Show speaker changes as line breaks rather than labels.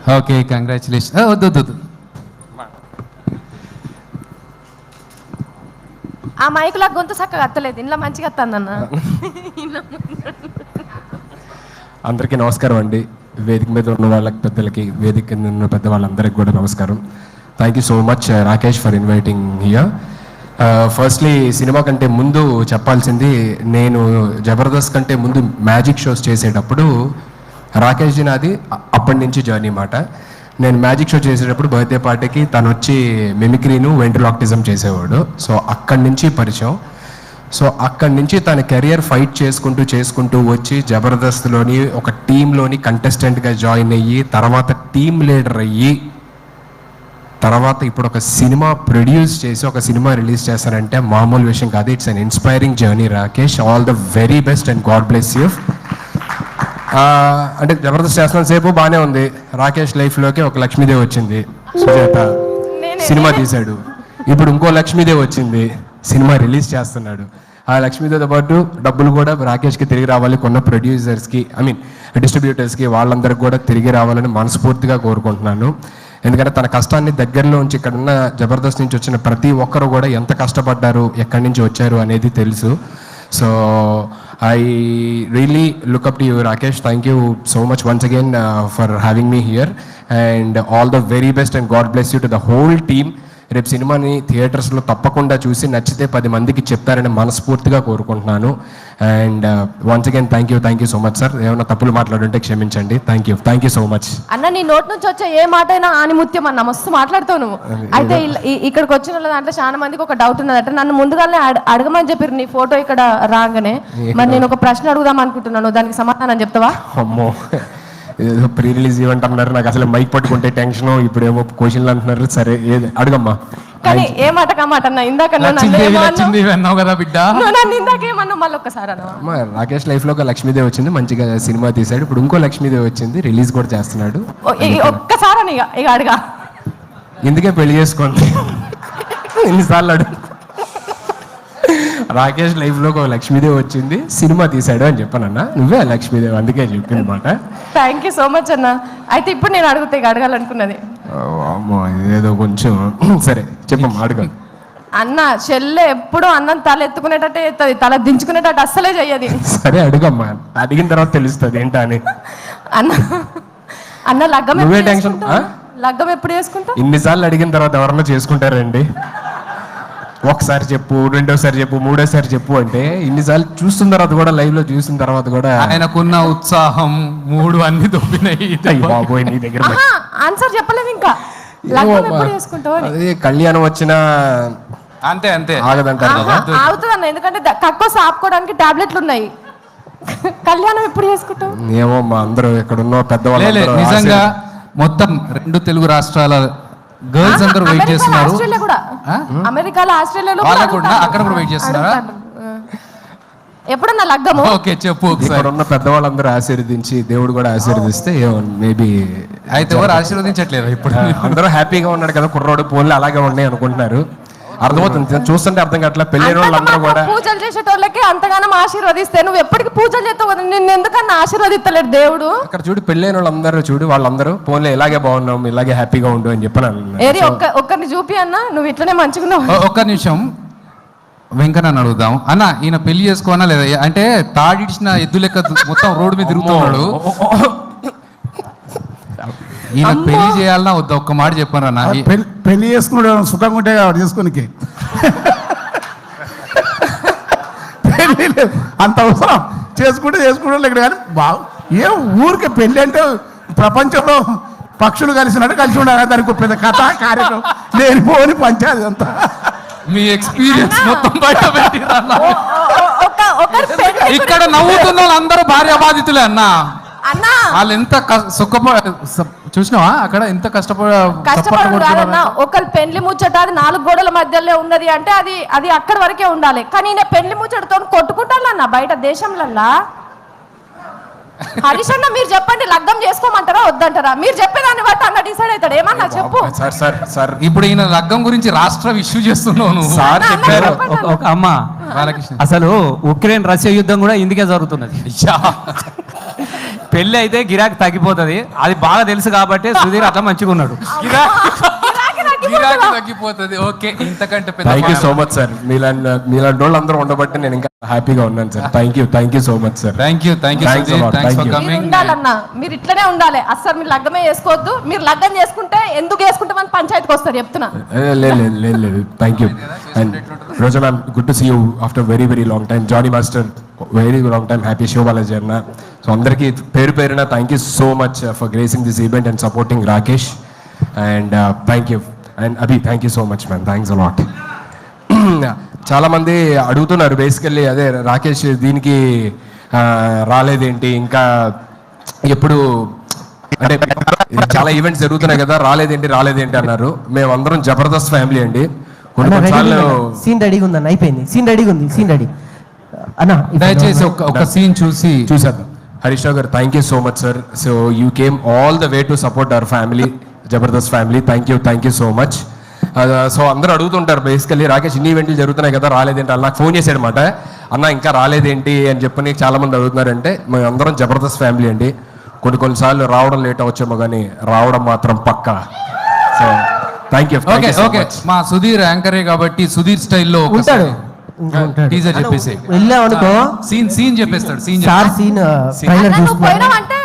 Okay, congratulation. వద్దు వద్దు వద్దు.
ఆ మైకులా గొంతు చక్కగా అత్తలేదు, ఇంట్లో మంచిగా అత్తందన్న.
అందరికీ నమస్కారం అండి. వేదిక మీద ఉన్న వాళ్ళకి, పెద్దలకి, వేదిక కింద ఉన్న పెద్ద వాళ్ళందరికీ కూడా నమస్కారం. Thank you so much Rakesh for inviting here. Firstly cinema కంటే ముందు చెప్పాల్సింది, నేను జబర్దస్త్ కంటే ముందు మ్యాజిక్ షోస్ చేసేటప్పుడు రాకేష్ జీ నాది అప్పటి నుంచి జర్నీ మాట. నేను మ్యాజిక్ షో చేసేటప్పుడు బర్త్డే పార్టీకి తను వచ్చి మిమిక్రీను వెంట్రలాక్టిజం చేసేవాడు. సో అక్కడి నుంచి పరిచయం. సో అక్కడి నుంచి తన కెరియర్ ఫైట్ చేసుకుంటూ వచ్చి జబర్దస్త్లోని ఒక టీంలోని కంటెస్టెంట్గా జాయిన్ అయ్యి, తర్వాత టీమ్ లీడర్ అయ్యి, తర్వాత ఇప్పుడు ఒక సినిమా ప్రొడ్యూస్ చేసి ఒక సినిమా రిలీజ్ చేస్తారంటే మామూలు విషయం కాదు. It's an inspiring journey Rakesh. All the very best and God bless you. అంటే జబర్దస్త్ చేస్తున్న సేపు బాగానే ఉంది. రాకేష్ లైఫ్లోకి ఒక లక్ష్మీదేవి వచ్చింది, సుజాత సినిమా తీశాడు. ఇప్పుడు ఇంకో లక్ష్మీదేవి వచ్చింది, సినిమా రిలీజ్ చేస్తున్నాడు. ఆ లక్ష్మీదేవితో పాటు డబ్బులు కూడా రాకేష్కి తిరిగి రావాలి, కొన్న ప్రొడ్యూసర్స్కి, డిస్ట్రిబ్యూటర్స్కి, వాళ్ళందరికీ కూడా తిరిగి రావాలని మనస్ఫూర్తిగా కోరుకుంటున్నాను. ఎందుకంటే తన కష్టాన్ని దగ్గరలో ఉంచి ఇక్కడున్న జబర్దస్త్ నుంచి వచ్చిన ప్రతి ఒక్కరు కూడా ఎంత కష్టపడ్డారు, ఎక్కడి నుంచి వచ్చారు అనేది తెలుసు. So I really look up to you, Rakesh. Thank you so much once again for having me here, and all the very best and God bless you to the whole team. రేపు సినిమాని థియేటర్స్లో తప్పకుండా చూసి నచ్చితే 10 మందికి చెప్తారని మనస్ఫూర్తిగా కోరుకుంటున్నాను. And once again thank you so much sir. ఏమైనా తప్పులు మాట్లాడుంటే క్షమించండి. థ్యాంక్ యూ సో మచ్
అన్న. నీ నోట్ నుంచి వచ్చే ఏ మాట అయినా ఆనిముత్యం అన్న, మస్తు మాట్లాడుతావు నువ్వు. అయితే ఇక్కడికి వచ్చిన దాంట్లో చాలా మందికి ఒక డౌట్ ఉన్నదట. నన్ను ముందుగానే అడగమని చెప్పారు నీ ఫోటో ఇక్కడ రాగానే. మరి నేను ఒక ప్రశ్న అడుగుదాం అనుకుంటున్నాను, దానికి సమాధానం చెప్తావా?
అమ్మో, ఏదో ప్రీ రిలీజ్ ఈవెంట్ అన్నారు, నాకు అసలు మైక్ పట్టుకుంటే టెన్షన్, ఇప్పుడు ఏమో క్వశ్చన్లు అంటున్నారు. సరే ఏది అడుగమ్మా.
కానీ ఏ మాట కామాట అన్న, ఇందాక
అన్నావు కదా బిడ్డ,
ఇందాకేమన్నా మళ్ళీ ఒక్కసారి అన్న.
రాకేష్ లైఫ్ లో ఒక లక్ష్మీదేవి వచ్చింది, మంచిగా సినిమా తీశాడు. ఇప్పుడు ఇంకో లక్ష్మీదేవి వచ్చింది, రిలీజ్ కూడా చేస్తున్నాడు.
ఒక్కసారి అని ఇక అడగా,
ఎందుకే పెళ్లి చేసుకోండి ఎన్నిసార్లు అడుగు. రాకేష్ లైఫ్ లో ఒక లక్ష్మీదేవి వచ్చింది, సినిమా తీశాడు అని చెప్పానన్నా. నువ్వే లక్ష్మీదేవి, అందుకే చెప్పింది మాట.
థ్యాంక్ యూ సో మచ్ అన్న. అయితే ఇప్పుడు నేను అడుగుతా, ఇక అడగాలనుకున్నది.
అమ్మో ఏదో కొంచెం సరే చెప్పమ్మా, అడగాలి.
అన్న చెల్లె ఎప్పుడు అన్నం తల ఎత్తుకునేటట్టే ఎత్తది, తల దించుకునేటట్టు అస్సలే చెయ్యది.
సరే అడుగమ్మా, అడిగిన తర్వాత తెలుస్తుంది ఏంటా అని.
అన్న లగ్గం
నువ్వే టెన్షన్.
లగ్గం ఎప్పుడు చేసుకుంటావు?
ఇన్నిసార్లు అడిగిన తర్వాత ఎవరన్నా చేసుకుంటారండి? ఒకసారి చెప్పు, రెండోసారి చెప్పు, మూడోసారి చెప్పు అంటే ఇన్నిసార్లు చూస్తున్న తర్వాత కూడా, లైవ్ లో చూసిన తర్వాత కూడా
ఆయనకున్న ఉత్సాహం 3 అన్ని దొబ్బినాయి.
బాబోయ్ నీ దగ్గర
ఆన్సర్ చెప్పలేదు ఇంకా. లగ్గం ఎప్పుడు చేసుకుంటావు?
అదే కళ్యాణం వచ్చినా
అంతే అంతే
ఆగదంటారు కదా.
ఆగుతుంది అన్న, ఎందుకంటే కక్కోసి ఆపుకోవడానికి టాబ్లెట్లు ఉన్నాయి. కళ్యాణం ఎప్పుడు చేసుకుంటావు?
ఏమో మా అందరూ ఇక్కడ ఉన్న పెద్దవాళ్ళు
నిజంగా మొత్తం 2 తెలుగు రాష్ట్రాల గర్ల్స్ అందరూ వెయిట్ చేస్తున్నారు.
అమెరికాలో, ఆస్ట్రేలియాలో
అక్కడ కూడా వెయిట్ చేస్తున్నారా?
ఎప్పుడన్నా లగ్గము?
ఓకే చెప్పు.
ఇక్కడ ఉన్న పెద్దవాళ్ళందరూ ఆశీర్వదించి, దేవుడు కూడా ఆశీర్వదిస్తే మేబీ.
అయితే ఎవరు ఆశీర్వదించట్లేదు ఇప్పుడు?
అందరూ హ్యాపీగా ఉన్నాడు కదా కుర్రోడు, పోన్లు అలాగే ఉన్నాయి అనుకుంటున్నారు. అర్థమవుతుంది, చూస్తుంటే అర్థం కావట్లేదు. పెళ్ళైన వాళ్ళందరూ కూడా
పూజలు చేసేటోళ్ళకి అంతగానం ఆశీర్వదిస్తే నువ్వు ఎప్పటికి పూజలు చేస్తావు కదా, నిన్ను ఎందుకన్నా ఆశీర్వదిస్తలేడు దేవుడు? అక్కడ
చూడు, పెళ్ళైన వాళ్ళందరూ చూడు, వాళ్ళందరూ పోన్లే ఇలాగే బాగున్నాం, ఇలాగే హ్యాపీగా ఉండు అని చెప్పాను.
ఏది ఒక్కరిని చూపి అన్న, నువ్వు ఇట్లనే మంచిగున్నావు.
ఒక్క నిమిషం వెంకన్న అడుగుదాం. అన్న ఈయన పెళ్లి చేసుకోనా లేదా? అంటే తాడిడిచిన ఎద్దు లెక్క మొత్తం రోడ్డు మీద తిరుగుతున్నాడు. ఈయన పెళ్లి చేయాలన్నా వద్దా? ఒక్క మాట చెప్పాను అన్న.
పెళ్లి చేసుకున్నాడు సుఖంగా ఉంటే చేసుకోనికి అంత అవసరం. చేసుకుంటే ఇక్కడ కానీ ఏ ఊరికే పెళ్ళి అంటే ప్రపంచంలో పక్షులు కలిసినట్టు కలిసి ఉండాలి. దానికి పెద్ద కథ కార్యక్రమం నేను పోని పంచాయతీ అంతా.
మీ ఎక్స్పీరియన్స్ మొత్తం బయట ఇక్కడ నవ్వుతున్న వాళ్ళందరూ భార్య బాధితులే అన్న. వాళ్ళు ఎంత చూసినావా అక్కడ ఎంత
కష్టపడుతున్నా. ఒకళ్ళు పెళ్లి ముచ్చట అది 4 గోడల మధ్యలో ఉన్నది అంటే అది అక్కడి వరకే ఉండాలి. కానీ నేను పెళ్లి ముచ్చటతో కొట్టుకుంటాను బయట దేశంలల్లా. హరీష్ అన్న మీరు చెప్పండి, లగ్గం చేసుకోమంటారా వద్దంటారా? మీరు చెప్పేదాన్ని బట్టి అన్న డిసైడ్ అవుతాడు. ఏమన్నా చెప్పు.
సార్
ఇప్పుడు ఈయన లగ్గం గురించి రాష్ట్ర ఇష్యూ చేస్తున్నాను.
సార్ చెప్పారు అమ్మ, అసలు ఉక్రెయిన్ రష్యా యుద్ధం కూడా ఇందుకే జరుగుతున్నది. పెళ్లి అయితే గిరాకీ తగ్గిపోతుంది, అది బాగా తెలుసు కాబట్టి సుధీర్ అట్లా మంచిగా ఉన్నాడు.
గిరాకీ తగ్గిపోతుంది. ఓకే, ఇంతకంటే పెద్ద
thank you so much sir. మీలాంటి వాళ్ళు అందరూ ఉండబట్టి నేను ఇంకా హ్యాపీగా ఉన్నాను sir. Thank you so much sir.
Thank you
Thanks a lot.
Thanks for
Thank you.
మీరు
కమింగ్.
ఉండాలన్నా, మీరు ఇట్లనే ఉండాలి. అస్సలు మీరు లగ్గమే చేసుకోవద్దు. మీరు లగ్గం చేసుకుంటే ఎందుకు చేసుకుంటామని పంచాయతీకి వస్తారు చెప్తున్నా.
లేదు thank you. And Roja ma'am, good to see you after very very long time. Johnny master, very long time. Happy Shivabalaji అన్న. సో అందరికీ పేరున thank you so much for gracing this event and supporting Rakesh. And thank you. And Abhi, thank you so much ma'am. Thanks a lot. చాలామంది అడుగుతున్నారు basically, అదే రాకేష్ దీనికి రాలేదేంటి, ఇంకా ఎప్పుడు అంటే చాలా ఈవెంట్స్ జరుగుతున్నాయి కదా, రాలేదేంటి అన్నారు. మేమందరం జబర్దస్త్ ఫ్యామిలీ అండి. కొన్నిసార్లు
సీన్ రెడీగా ఉందన్న, అయిపోయింది. సీన్ రెడీగా ఉంది, సీన్ రెడీ అన్న.
దయచేసి ఒక సీన్ చూసి
చూసాను. హరీష్ రావు గారు, thank you so much sir. So you came all the way to support our family, Jabardasth family. Thank you so much. So అందరూ అడుగుతుంటారు బేసికల్లీ, రాకేష్ ఇన్ని ఈవెంట్లు జరుగుతున్నాయి కదా, రాలేదేంటి అని. నాకు ఫోన్ చేశాడు అనమాట, అన్న ఇంకా రాలేదేంటి అని చెప్పని చాలా మంది అడుగుతున్నారంటే, మేము అందరం జబర్దస్త్ ఫ్యామిలీ అండి. కొన్నిసార్లు రావడం లేట్ అవచ్చేమో కానీ రావడం మాత్రం పక్కా. So thank you.
ఓకే మా సుధీర్ యాంకరే కాబట్టి సుధీర్ స్టైల్లో
ఉంటాడు.
టీజర్ చెప్పేసి
వెళ్ళామనుకో
సీన్ చెప్పేస్తాడు.
సార్ సీన్ ట్రైలర్
నువ్వు
చూస్తున్నాను.
పోయినావంటే